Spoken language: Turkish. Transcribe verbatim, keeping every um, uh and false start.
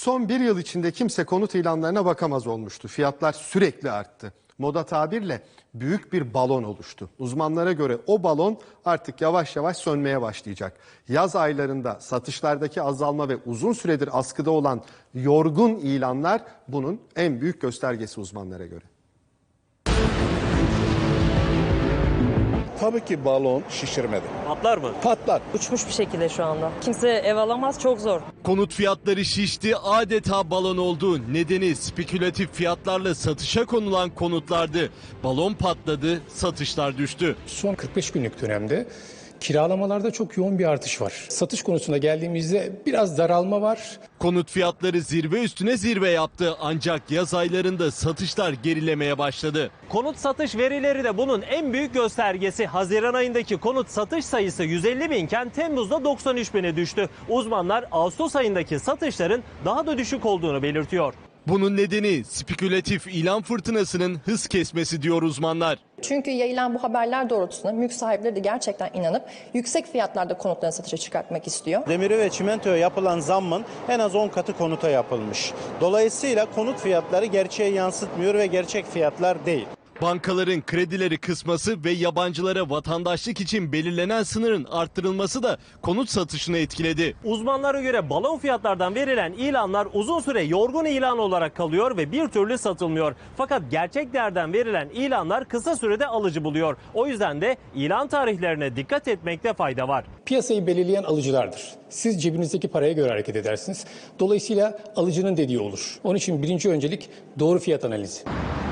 Son bir yıl içinde kimse konut ilanlarına bakamaz olmuştu. Fiyatlar sürekli arttı. Moda tabirle büyük bir balon oluştu. Uzmanlara göre o balon artık yavaş yavaş sönmeye başlayacak. Yaz aylarında satışlardaki azalma ve uzun süredir askıda olan yorgun ilanlar bunun en büyük göstergesi uzmanlara göre. Tabii ki balon şişirmedi. Patlar mı? Patlar. Uçmuş bir şekilde şu anda. Kimse ev alamaz, çok zor. Konut fiyatları şişti, adeta balon oldu. Nedeni spekülatif fiyatlarla satışa konulan konutlardı. Balon patladı, satışlar düştü. Son kırk beş günlük dönemde kiralamalarda çok yoğun bir artış var. Satış konusuna geldiğimizde biraz daralma var. Konut fiyatları zirve üstüne zirve yaptı ancak yaz aylarında satışlar gerilemeye başladı. Konut satış verileri de bunun en büyük göstergesi. Haziran ayındaki konut satış sayısı yüz elli binken Temmuz'da doksan üç bine düştü. Uzmanlar Ağustos ayındaki satışların daha da düşük olduğunu belirtiyor. Bunun nedeni spekülatif ilan fırtınasının hız kesmesi diyor uzmanlar. Çünkü yayılan bu haberler doğrultusunda mülk sahipleri de gerçekten inanıp yüksek fiyatlarda konutlarını satışa çıkartmak istiyor. Demiri ve çimentoya yapılan zammın en az on katı konuta yapılmış. Dolayısıyla konut fiyatları gerçeği yansıtmıyor ve gerçek fiyatlar değil. Bankaların kredileri kısması ve yabancılara vatandaşlık için belirlenen sınırın arttırılması da konut satışını etkiledi. Uzmanlara göre balon fiyatlardan verilen ilanlar uzun süre yorgun ilan olarak kalıyor ve bir türlü satılmıyor. Fakat gerçek değerden verilen ilanlar kısa sürede alıcı buluyor. O yüzden de ilan tarihlerine dikkat etmekte fayda var. Piyasayı belirleyen alıcılardır. Siz cebinizdeki paraya göre hareket edersiniz. Dolayısıyla alıcının dediği olur. Onun için birinci öncelik doğru fiyat analizi.